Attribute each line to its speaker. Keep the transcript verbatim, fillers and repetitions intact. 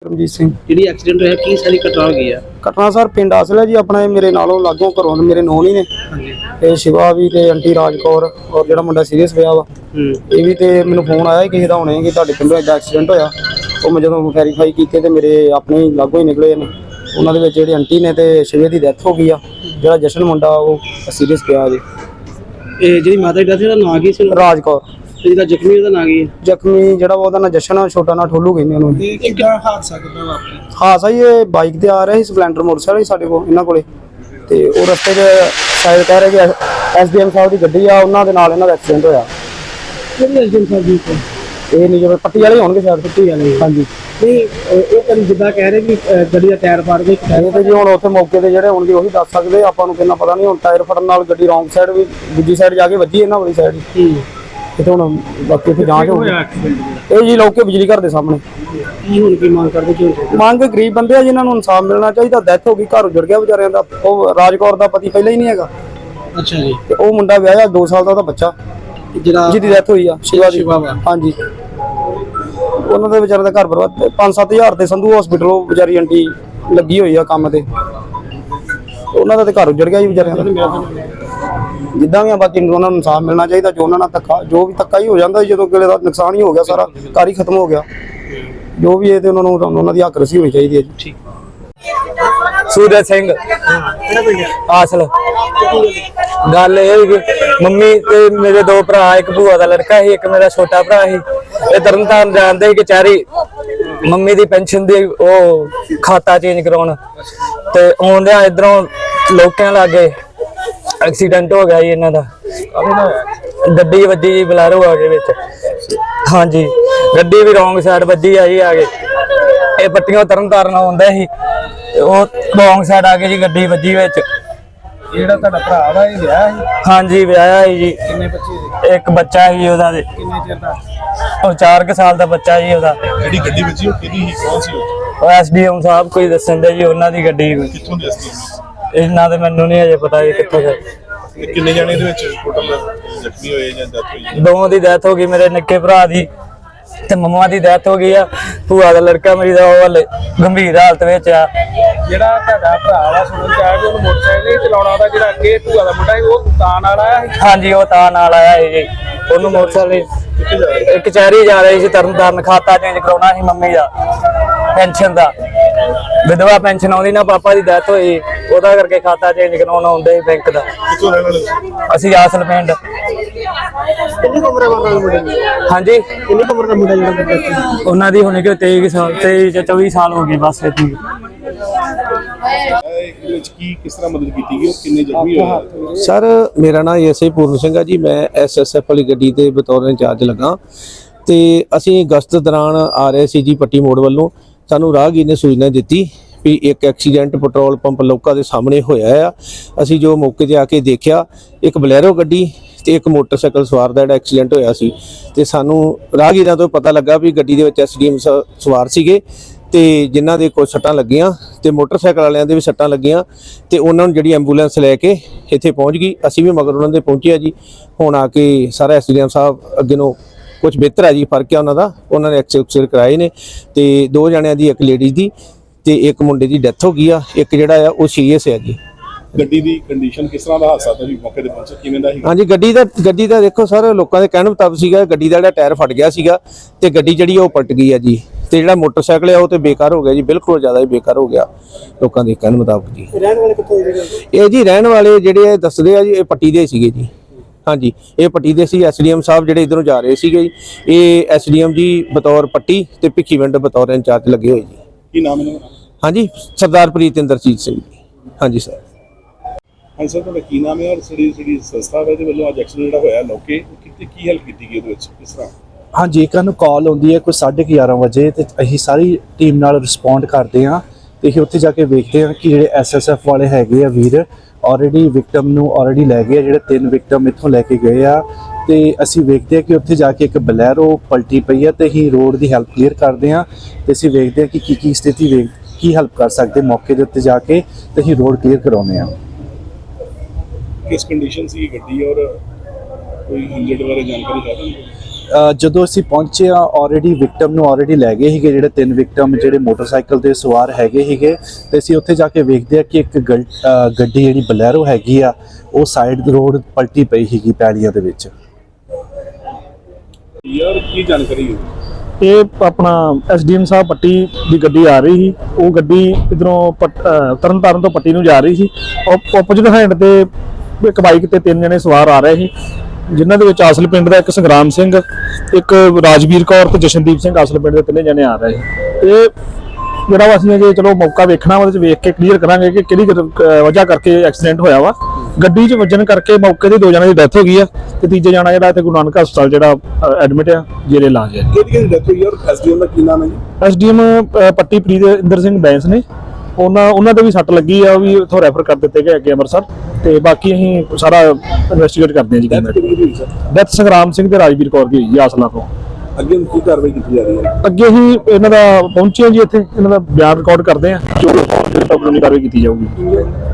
Speaker 1: परमजीत सिंह।
Speaker 2: ਜਿਹੜੀ ਐਕਸੀਡੈਂਟ ਹੋਇਆ ਕੀ ਸਾਰੀ ਘਟਨਾ ਹੋ ਗਈ ਆ?
Speaker 1: घटना सर पिंड आसल है जी अपना, मेरे नालों लागों घरों मेरे नौन ही ने
Speaker 2: ਹਾਂਜੀ
Speaker 1: ते शिवा भी ते आंटी राज कौर और जिहड़ा मुंडा सीरीयस पिया वा
Speaker 2: ਹੂੰ
Speaker 1: ये भी। ते मैनूं फोन आया किसी दा हुणे कि तुहाडे पिंडों इदां एक्सीडेंट होया। ਉਹ मैं ਜਦੋਂ ਵੈਰੀਫਾਈ ਕੀਤੇ ਤੇ ਮੇਰੇ ਆਪਣੇ ਹੀ ਲਾਗੋਂ ਹੀ ਨਿਕਲੇ ਨੇ। ਉਹਨਾਂ ਦੇ ਵਿੱਚ ਜਿਹੜੀ ਆਂਟੀ ਨੇ ਤੇ ਸ਼ਿਵੇ ਦੀ ਡੈਥ ਹੋ ਗਈ ਆ। ਜਿਹੜਾ ਜਸ਼ਨ ਮੁੰਡਾ ਉਹ ਸੀਰੀਅਸ ਪਿਆ ਜੀ।
Speaker 2: ਇਹ ਜਿਹੜੀ ਮਾਤਾ ਦੀ ਡੈਥ ਉਹਦਾ ਨਾਂ ਕੀ ਸੀ?
Speaker 1: ਰਾਜ ਕੌਰ।
Speaker 2: ਤੇ ਜਿਹੜਾ ਜ਼ਖਮੀ ਉਹਦਾ ਨਾਂ ਕੀ ਹੈ?
Speaker 1: ਜ਼ਖਮੀ ਜਿਹੜਾ ਉਹਦਾ ਨਾਂ ਜਸ਼ਨ ਆ, ਛੋਟਾ ਨਾਂ ਠੋਲੂ ਕਹਿੰਦੇ ਉਹਨੂੰ।
Speaker 2: ਇਹ ਕਿੱਦਾਂ ਹਾਦਸਾ ਕਿੱਦਾਂ ਵਾਪਰਿਆ?
Speaker 1: ਹਾਦਸਾ ਜੀ ਇਹ ਬਾਈਕ ਤੇ ਆ ਰਹੇ ਸੀ, ਸਪਲੈਂਡਰ ਮੋਟਰਸਾਈਕਲ ਸਾਡੇ ਕੋਲ ਇਹਨਾਂ ਕੋਲੇ, ਤੇ ਉਹ ਰਸਤੇ 'ਚ ਸ਼ਾਇਦ ਕਹਿ ਰਹੇ ਕਿ ਐਸ ਡੀ ਐਮ ਸਾਹਿਬ ਦੀ ਗੱਡੀ ਆ, ਉਹਨਾਂ ਦੇ ਨਾਲ ਇਹਨਾਂ ਦਾ ਐਕਸੀਡੈਂਟ ਹੋਇਆ।
Speaker 2: ਕਿਹੜੀ ਐਸ ਡੀ ਐਮ ਸਾਹਿਬ ਦੀ?
Speaker 1: ਇਹ ਨਹੀਂ ਜਿਵੇਂ ਪੱਟੀ ਵਾਲੇ ਹੋਣਗੇ ਸ਼ਾਇਦ।
Speaker 2: ਪੱਟੀ ਵਾਲੇ?
Speaker 1: ਹਾਂਜੀ।
Speaker 2: ਨਹੀਂ ਉਹ ਕਰੀ ਜਿੱਦਾਂ ਕਹਿ ਰਹੇ ਕਿ ਗੱਡੀ ਦਾ ਟਾਇਰ ਫਟ ਗਿਆ।
Speaker 1: ਇਹ ਤੇ ਜੀ ਹੁਣ ਉੱਥੇ ਮੌਕੇ ਤੇ ਜਿਹੜੇ ਹੋਣਗੇ ਉਹੀ ਦੱਸ ਸਕਦੇ, ਆਪਾਂ ਨੂੰ ਕਿੰਨਾ ਪਤਾ ਨਹੀਂ। ਹੁਣ ਟਾਇਰ ਫਟਣ ਨਾਲ ਗੱਡੀ ਰੌਂਗ ਸਾਈਡ ਵੀ ਦੂਜੀ ਸਾਈਡ ਜਾ ਕੇ ਵੱਜੀ ਇਹਨਾਂ ਵਾਲੀ ਸਾਈਡ ਹੀ। ਤੇ ਹੁਣ ਬਾਕੀ ਇੱਥੇ ਜਾਂਚ ਹੋਊਗੀ। ਇਹ ਜੀ ਲੋਕੇ ਬਿਜਲੀ ਘਰ ਦੇ ਸਾਹਮਣੇ।
Speaker 2: ਕੀ ਹੁਣ ਕੀ ਮੰਗ ਕਰਦੇ? ਕੀ
Speaker 1: ਮੰਗ ਗਰੀਬ ਬੰਦੇ ਆ ਜਿਨ੍ਹਾਂ ਨੂੰ ਇਨਸਾਫ ਮਿਲਣਾ ਚਾਹੀਦਾ। ਡੈਥ ਹੋ ਗਈ, ਘਰ ਉਜੜ ਗਿਆ ਵਿਚਾਰਿਆਂ ਦਾ। ਉਹ ਰਾਜਕੌਰ ਦਾ ਪਤੀ ਪਹਿਲਾਂ ਹੀ ਨਹੀਂ ਹੈਗਾ।
Speaker 2: ਅੱਛਾ ਜੀ।
Speaker 1: ਤੇ ਉਹ ਮੁੰਡਾ ਵਿਆਹਿਆ, ਦੋ ਸਾਲ ਦਾ ਉਹਦਾ ਬੱਚਾ
Speaker 2: ਜਿਹੜਾ
Speaker 1: ਜਿਹਦੀ ਡੈਥ ਹੋਈ ਆ, ਸ਼ਿਵਾ ਦੀ।
Speaker 2: ਵਾ
Speaker 1: ਹਾਂਜੀ। ਉਹਨਾਂ ਦੇ ਵਿਚਾਰੇ ਦਾ ਘਰ ਬਰਬਾਦ। ਪੰਜ ਸੱਤ ਹਜ਼ਾਰ ਤੇ ਸੰਧੂ ਹਸਪੀਟਲ ਉਹ ਵਿਚਾਰੀ ਆਂਟੀ ਲੱਗੀ ਹੋਈ ਆ ਕੰਮ ਤੇ, ਉਹਨਾਂ ਦਾ ਤੇ ਘਰ ਉਜੜ ਗਿਆ ਜੀ ਵਿਚਾਰਿਆਂ ਦਾ। ਜਿੱਦਾਂ ਵੀ ਆ ਬਾਕੀ ਉਹਨਾਂ ਨੂੰ ਇਨਸਾਫ ਮਿਲਣਾ ਚਾਹੀਦਾ। ਜੋ ਉਹਨਾਂ ਨਾਲ ਧੱਕਾ, ਜੋ ਵੀ ਧੱਕਾ ਹੀ ਹੋ ਜਾਂਦਾ ਜਦੋਂ ਕਿਸੇ ਦਾ ਨੁਕਸਾਨ ਹੀ ਹੋ ਗਿਆ, ਸਾਰਾ ਘਰ ਹੀ ਖਤਮ ਹੋ ਗਿਆ, ਜੋ ਵੀ ਇਹ ਤੇ ਉਹਨਾਂ ਨੂੰ ਉਹਨਾਂ ਦੀ ਹੱਕ ਰਸੀ ਹੋਣੀ ਚਾਹੀਦੀ ਹੈ ਜੀ।
Speaker 3: सूरज सिंह आसल। गल ये मम्मी ते मेरे दो भरा, एक भूआ का लड़का ही, एक मेरा छोटा भरा ही। ये तरन तारण जानते ही कचहरी मम्मी दी पेंशन दी ओ खाता चेंज कराउण ते आउंदे इधरों लोकां लागे एक्सीडेंट हो गया जी इन्हां दा। गड्डी वजी जी बलैरो आ गए विच। हाँ जी, गड्डी भी रॉन्ग साइड वजी आई आगे। ये पट्टियों तरन तारण आउंदे ही, रॉन्ग साइड आ गई जी गड्डी वजी विच।
Speaker 2: ਜਿਹੜਾ ਤੁਹਾਡਾ ਭਰਾ ਵਾ ਇਹ ਵਿਆਹ ਹੈ?
Speaker 3: हाँ जी ਵਿਆਹਿਆ ही जी।
Speaker 2: ਕਿੰਨੇ ਬੱਚੇ?
Speaker 3: एक बच्चा ही ਉਹਦਾ ਦੇ।
Speaker 2: ਕਿੰਨੇ ਚਿਰ ਦਾ?
Speaker 3: ਉਹ ਚਾਰ ਕੁ ਸਾਲ ਦਾ ਬੱਚਾ ਜੀ ਉਹਦਾ।
Speaker 4: ਜਿਹੜੀ ਗੱਡੀ ਵੱਜੀ ਉਹ ਕਿਹਦੀ ਸੀ, ਕੌਣ ਸੀ ਉਹ?
Speaker 3: ਉਹ ਐਸ ਡੀ ਐਮ ਸਾਹਿਬ ਕੋਈ ਦੱਸਣ ਦੇ ਜੀ, ਉਹਨਾਂ ਦੀ ਗੱਡੀ।
Speaker 4: ਕਿੱਥੋਂ ਦੇ ਸੀ?
Speaker 3: ਇਹਨਾਂ ਦੇ ਮੈਨੂੰ ਨਹੀਂ ਅਜੇ ਪਤਾ ਜੀ ਕਿੱਥੋਂ ਦੇ।
Speaker 4: ਤੇ ਕਿੰਨੇ ਜਾਣੇ ਦੇ ਵਿੱਚ ਟੋਟਲ ਜ਼ਖਮੀ ਹੋਏ ਜਾਂ ਡੈਥ ਹੋਈ?
Speaker 3: ਦੋਵਾਂ ਦੀ ਡੈਥ ਹੋ ਗਈ, ਮੇਰੇ ਨਿੱਕੇ ਭਰਾ ਦੀ ਤੇ ਮੰਮਾ ਦੀ ਡੈਥ ਹੋ ਗਈ ਆ। ਭੂਆ ਦਾ ਲੜਕਾ ਮੇਰੀ ਦਾ ਉਹ ਹਲੇ ਗੰਭੀਰ ਹਾਲਤ ਵਿੱਚ ਆ।
Speaker 2: ਜਿਹੜਾ ਤੁਹਾਡਾ ਭਰਾ ਵਾ ਸੁਣਨ ਚ ਆਇਆ ਕਿ ਉਹਨੂੰ ਮੋਟਰਸਾਈਕਲ ਨਹੀਂ ਚਲਾਉਣਾ ਆਉਂਦਾ, ਜਿਹੜਾ ਅੱਗੇ ਭੂਆ ਦਾ ਮੁੰਡਾ ਸੀ ਉਹ ਤਾਂ ਨਾਲ ਆਇਆ ਸੀ?
Speaker 3: ਹਾਂਜੀ, ਉਹ ਤਾਂ ਨਾਲ ਆਇਆ ਸੀ ਜੀ। ਉਹਨੂੰ ਮੋਟਰਸਾਈਕਲ ਕਚਹਿਰੀ ਜਾ ਰਹੀ ਸੀ ਤਰਨ ਤਾਰਨ, ਖਾਤਾ ਚੇਂਜ ਕਰਾਉਣਾ ਸੀ ਮੰਮੀ ਦਾ ਪੈਨਸ਼ਨ ਦਾ। ਵਿਧਵਾ ਪੈਨਸ਼ਨ ਆਉਂਦੀ ਨਾ, ਪਾਪਾ ਦੀ ਡੈਥ ਹੋਈ, ਉਹਦਾ ਕਰਕੇ ਖਾਤਾ ਚੇਂਜ ਕਰਾਉਣਾ ਆਉਂਦੇ ਸੀ ਬੈਂਕ ਦਾ।
Speaker 4: ਕਿੱਥੋਂ ਰਹਿਣ ਵਾਲੇ?
Speaker 3: ਅਸੀਂ ਆਸਲ ਪਿੰਡ।
Speaker 2: ਕਿੰਨੀ ਉਮਰ ਹੈ ਮੁੰਡੇ ਦੀ?
Speaker 3: ਹਾਂਜੀ,
Speaker 2: ਕਿੰਨੀ ਉਮਰ ਦਾ ਮੁੰਡਾ ਜਿਹੜਾ?
Speaker 3: ਉਹਨਾਂ ਦੀ ਹੋਣੀ ਕਿ ਤੇਈ ਸਾਲ, ਤੇਈ ਜਾਂ ਚੌਵੀ ਸਾਲ ਹੋ ਗਏ ਬਸ ਇਤਨੀ।
Speaker 4: ਇਹਦੇ ਵਿੱਚ ਕੀ ਕਿਸ ਤਰ੍ਹਾਂ ਮਦਦ ਕੀਤੀ ਗਈ, ਉਹ ਕਿੰਨੇ ਜ਼ਖਮੀ ਹੋਏ?
Speaker 5: ਸਰ ਮੇਰਾ ਨਾਮ ਐਸਆਈ ਪੂਰਨ ਸਿੰਘ ਆ ਜੀ। ਮੈਂ ਐਸਐਸਐਫ ਵਾਲੀ ਗੱਡੀ ਤੇ ਬਤੌਰ ਇੰਚਾਰਜ ਲੱਗਾ ਤੇ ਅਸੀਂ ਗਸ਼ਤ ਦੌਰਾਨ ਆ ਰਹੇ ਸੀ ਜੀ ਪੱਟੀ ਮੋੜ ਵੱਲੋਂ। ਸਾਨੂੰ ਰਾਹਗੀਰ ਨੇ ਸੂਚਨਾ ਦਿੱਤੀ ਵੀ ਇੱਕ ਐਕਸੀਡੈਂਟ ਪੈਟਰੋਲ ਪੰਪ ਲੋਕਾਂ ਦੇ ਸਾਹਮਣੇ ਹੋਇਆ ਆ। ਅਸੀਂ ਜੋ ਮੌਕੇ ਤੇ ਆ ਕੇ ਦੇਖਿਆ, ਇੱਕ ਬਲੈਰੋ ਗੱਡੀ ਤੇ ਇੱਕ ਮੋਟਰਸਾਈਕਲ ਸਵਾਰ ਦਾ ਜਿਹੜਾ ਐਕਸੀਡੈਂਟ ਹੋਇਆ ਸੀ। ਤੇ ਸਾਨੂੰ ਰਾਹਗੀਰਾਂ ਤੋਂ ਪਤਾ ਲੱਗਾ ਵੀ ਗੱਡੀ ਦੇ ਵਿੱਚ ਐਸਡੀਐਮ ਸਵਾਰ ਸੀਗੇ ਤੇ ਜਿਨ੍ਹਾਂ ਦੇ ਕੁਝ ਸੱਟਾਂ ਲੱਗੀਆਂ ਤੇ ਮੋਟਰਸਾਈਕਲ ਵਾਲਿਆਂ ਦੇ ਵੀ ਸੱਟਾਂ ਲੱਗੀਆਂ ਤੇ ਉਹਨਾਂ ਨੂੰ ਜਿਹੜੀ ਐਂਬੂਲੈਂਸ ਲੈ ਕੇ ਇੱਥੇ ਪਹੁੰਚ ਗਈ। ਅਸੀਂ ਵੀ ਮਗਰ ਉਹਨਾਂ ਦੇ ਪਹੁੰਚੇ ਆ ਜੀ। ਹੁਣ ਆ ਕੇ ਸਾਰਾ ਐਸਡੀਐਮ ਸਾਹਿਬ ਅੱਗੇ ਨੂੰ ਕੁਝ ਬਿਹਤਰ ਹੈ ਜੀ, ਫਰਕ ਹੈ ਉਹਨਾਂ ਦਾ। ਉਹਨਾਂ ਨੇ ਐਕਸਰੇ ਕਰਾਏ ਨੇ ਤੇ ਦੋ ਜਣਿਆਂ ਦੀ, ਇੱਕ ਲੇਡੀਜ਼ ਦੀ ਤੇ ਇੱਕ ਮੁੰਡੇ ਦੀ ਡੈਥ ਹੋ ਗਈ ਆ। ਇੱਕ ਜਿਹੜਾ ਆ ਉਹ ਸੀਰੀਅਸ ਹੈ ਜੀ।
Speaker 4: ਗੱਡੀ ਦੀ ਕੰਡੀਸ਼ਨ ਕਿਸ ਤਰ੍ਹਾਂ ਦਾ ਹਾਦਸਾ ਤੁਸੀਂ ਮੌਕੇ ਤੇ ਪਹੁੰਚੇ, ਕਿਵੇਂ ਦਾ ਸੀ?
Speaker 5: ਹਾਂਜੀ, ਗੱਡੀ ਦਾ ਗੱਡੀ ਦਾ ਦੇਖੋ ਸਰ, ਲੋਕਾਂ ਦੇ ਕਹਿਣ ਮੁਤਾਬਕ ਸੀਗਾ ਗੱਡੀ ਦਾ ਜਿਹੜਾ ਟਾਇਰ ਫਟ ਗਿਆ ਸੀਗਾ ਤੇ ਗੱਡੀ ਜਿਹੜੀ ਉਹ ਪਲਟ ਗਈ ਆ ਜੀ। ਤੇ ਜਿਹੜਾ ਮੋਟਰਸਾਈਕਲ ਆ ਉਹ ਤੇ ਬੇਕਾਰ ਹੋ ਗਿਆ ਜੀ, ਬਿਲਕੁਲ ਜ਼ਿਆਦਾ ਹੀ ਬੇਕਾਰ ਹੋ ਗਿਆ ਲੋਕਾਂ ਦੇ ਕਹਿਣ ਮੁਤਾਬਕ ਜੀ।
Speaker 2: ਰਹਿਣ ਵਾਲੇ ਕਿੱਥੋਂ ਦੇ?
Speaker 5: ਇਹ ਜੀ ਰਹਿਣ ਵਾਲੇ ਜਿਹੜੇ ਦੱਸਦੇ ਆ ਜੀ, ਇਹ ਪੱਟੀ ਦੇ ਸੀਗੇ ਜੀ। ਹਾਂਜੀ, ਇਹ ਪੱਟੀ ਦੇ ਸੀ। ਐਸਡੀਐਮ ਸਾਹਿਬ ਜਿਹੜੇ ਇਧਰੋਂ ਜਾ ਰਹੇ ਸੀਗੇ ਜੀ, ਇਹ ਐਸਡੀਐਮ ਜੀ ਬਤੌਰ ਪੱਟੀ ਤੇ ਭਿੱਖੀਵਿੰਡ ਬਤੌਰ ਇੰਚਾਰਜ ਲੱਗੇ ਹੋਏ ਜੀ।
Speaker 4: ਕੀ ਨਾਮ ਹੈ?
Speaker 5: ਹਾਂਜੀ, ਸਰਦਾਰ ਪ੍ਰੀਤਿੰਦਰਜੀਤ ਸਿੰਘ ਜੀ। ਹਾਂਜੀ ਸਰ।
Speaker 4: ਹਾਂਜੀ ਸਰ, ਤੁਹਾਡਾ ਕੀ ਨਾਮ ਹੈ ਔਰ ਜਿਹੜੀ ਜਿਹੜੀ ਸੰਸਥਾ ਹੈ ਦੇ ਵੱਲੋਂ ਅੱਜ ਐਕਸੀਡੈਂਟ ਜਿਹੜਾ ਹੋਇਆ ਲੋਕੇ ਕਿਤੇ ਕੀ ਹੈਲਪ ਕੀਤੀ ਗਈ ਉਹਦੇ ਵਿੱਚ, ਕਿਸ ਤਰ੍ਹਾਂ?
Speaker 6: ਹਾਂਜੀ, ਇੱਕ ਨੂੰ ਕਾਲ ਆਉਂਦੀ ਹੈ ਕੋਈ ਸਾਢੇ ਗਿਆਰਾਂ ਵਜੇ ਤੇ ਅਸੀਂ ਸਾਰੀ ਟੀਮ ਨਾਲ ਰਿਸਪੌਂਡ ਕਰਦੇ ਹਾਂ ਤੇ ਅਸੀਂ ਉੱਥੇ ਜਾ ਕੇ ਵੇਖਦੇ ਹਾਂ ਕਿ ਜਿਹੜੇ ਐਸਐਸਐਫ ਵਾਲੇ ਹੈਗੇ ਆ ਵੀਰ ਆਲਰੇਡੀ ਵਿਕਟਮ ਨੂੰ ਆਲਰੇਡੀ ਲੈ ਗਏ ਆ। ਜਿਹੜੇ ਤਿੰਨ ਵਿਕਟਮ ਇੱਥੋਂ ਲੈ ਕੇ ਗਏ ਆ ਤੇ ਅਸੀਂ ਵੇਖਦੇ ਹਾਂ ਕਿ ਉੱਥੇ ਜਾ ਕੇ ਇੱਕ ਬਲੈਰੋ ਪਲਟੀ ਪਈ ਆ ਤੇ ਅਸੀਂ ਰੋਡ ਦੀ ਹੈਲਪ ਕਲੀਅਰ ਕਰਦੇ ਹਾਂ ਤੇ ਅਸੀਂ ਵੇਖਦੇ ਹਾਂ ਕਿ ਕੀ ਕੀ ਸਥਿਤੀ ਵੇਖ ਕੀ ਹੈਲਪ ਕਰ ਸਕਦੇ ਮੌਕੇ ਦੇ ਉੱਤੇ ਜਾ ਕੇ ਤੇ ਅਸੀਂ ਰੋਡ ਕਲੀਅਰ ਕਰਾਉਂਦੇ ਹਾਂ।
Speaker 4: ਕਿਸ ਕੰਡੀਸ਼ਨ ਸੀ ਗੱਡੀ ਔਰ ਕੋਈ ਇੰਜਰਡ ਬਾਰੇ ਜਾਣਕਾਰੀ ਹੈ ਤੁਹਾਨੂੰ?
Speaker 6: ਅ, ਜਦੋਂ ਅਸੀਂ ਪਹੁੰਚੇ ਆ ਆਲਰੇਡੀ ਵਿਕਟਮ ਨੂੰ ਆਲਰੇਡੀ ਲੈ ਗਏ ਸੀਗੇ, ਜਿਹੜੇ ਤਿੰਨ ਵਿਕਟਮ ਜਿਹੜੇ ਮੋਟਰਸਾਈਕਲ ਤੇ ਸਵਾਰ ਹੈਗੇ ਸੀਗੇ, ਤੇ ਅਸੀਂ ਉੱਥੇ ਜਾ ਕੇ ਵੇਖਦੇ ਆ ਕਿ ਇੱਕ ਗੱਡ- ਅ, ਗੱਡੀ ਜਿਹੜੀ ਬਲੈਰੋ ਹੈਗੀ ਆ ਉਹ ਸਾਈਡ ਰੋਡ ਪਲਟੀ ਪਈ ਸੀਗੀ ਪੈੜੀਆਂ ਦੇ ਵਿੱਚ।
Speaker 4: ਯਾਰ ਕੀ ਜਾਣਕਾਰੀ ਹੈ?
Speaker 7: ਇਹ ਆਪਣਾ ਐਸਡੀਐਮ ਸਾਹਿਬ ਪੱਟੀ ਦੀ ਗੱਡੀ ਆ ਰਹੀ ਸੀ। ਉਹ ਗੱਡੀ ਇਧਰੋਂ ਤਰਨ ਤਾਰਨ ਤੋਂ ਪੱਟੀ ਨੂੰ ਜਾ ਰਹੀ ਸੀ। ਆਪੋਜ਼ਿਟ ਹੈਂਡ ਤੇ ਇੱਕ ਬਾਈਕ ਤੇ ਤਿੰਨ ਜਣੇ ਸਵਾਰ ਆ ਰਹੇ ਸੀ, ਜਿਨ੍ਹਾਂ ਦੇ ਵਿੱਚ ਆਸਲ ਪਿੰਡ ਦਾ ਇੱਕ ਸੰਗਰਾਮ ਸਿੰਘ, ਇੱਕ ਰਾਜਵੀਰ ਕੌਰ ਤੇ ਜਸ਼ਨਦੀਪ ਸਿੰਘ ਆਸਲ ਪਿੰਡ ਦੇ ਤਿੰਨੇ ਜਣੇ ਆ ਰਹੇ ਸੀ। ਇਹ ਜਿਹੜਾ ਵਾ ਅਸੀਂ ਜੇ ਚਲੋ ਮੌਕਾ ਵੇਖਣਾ ਉਹਦੇ ਚ ਵੇਖ ਕੇ ਕਲੀਅਰ ਕਰਾਂਗੇ ਕਿ ਕਿਹੜੀ ਗ- ਵਜ੍ਹਾ ਕਰਕੇ ਐਕਸੀਡੈਂਟ ਹੋਇਆ ਵਾ। ਗੱਡੀ 'ਚ ਵੱਜਣ ਕਰਕੇ ਮੌਕੇ ਤੇ ਦੋ ਜਣਿਆਂ ਦੀ ਡੈਥ ਹੋ ਗਈ ਆ ਤੇ ਤੀਜੇ ਜਣਾ ਜਿਹੜਾ ਇੱਥੇ ਗੁਰੂ ਨਾਨਕ ਹਸਪਤਾਲ ਜਿਹੜਾ ਐਡਮਿਟ ਆ, ਜੇਰੇ ਇਲਾਜ ਹੈ।
Speaker 4: ਕਿਹਦੀ ਕਿਹਦੀ ਡੈਥ ਹੋਈ ਔਰ ਐਸਡੀਐਮ ਦਾ ਕੀ ਨਾਮ ਹੈ ਜੀ?
Speaker 7: ਐਸਡੀਐਮ ਪੱਟੀ ਪ੍ਰੀਤ ਇੰਦਰ ਸਿੰਘ ਬੈਂਸ ਨੇ, ਉਹਨਾਂ ਉਹਨਾਂ ਦੇ ਵੀ ਸੱਟ ਲੱਗੀ ਆ, ਉਹ ਵੀ ਉੱਥੋਂ ਰੈਫਰ ਕਰ ਦਿੱਤੇ ਗਏ ਅੱਗੇ ਅੰਮ੍ਰਿਤਸਰ, ਤੇ ਬਾਕੀ ਅਸੀਂ ਸਾਰਾ ਇਨਵੈਸਟੀਗੇਟ ਕਰਦੇ ਹਾਂ ਜੀ।
Speaker 4: ਡੈਥ ਕਿਹਦੀ ਕਿਹਦੀ ਹੋਈ ਸਰ?
Speaker 7: ਡੈਥ ਸੰਗਰਾਮ ਸਿੰਘ ਤੇ ਰਾਜਵੀਰ ਕੌਰ ਦੀ ਹੋਈ ਜੀ ਆਸਲਾ ਤੋਂ।
Speaker 4: ਅੱਗੇ ਹੁਣ ਕੀ ਕਾਰਵਾਈ ਕੀਤੀ ਜਾ ਰਹੀ ਹੈ?
Speaker 7: ਅੱਗੇ ਹੀ ਇਹਨਾਂ ਦਾ ਪਹੁੰਚੇ ਜੀ, ਇੱਥੇ ਇਹਨਾਂ ਦਾ ਬਿਆਨ ਰਿਕਾਰਡ ਕਰਦੇ ਆ, ਜੋ ਕਾਨੂੰਨੀ ਕਾਰਵਾਈ ਕੀਤੀ ਜਾਊਗੀ।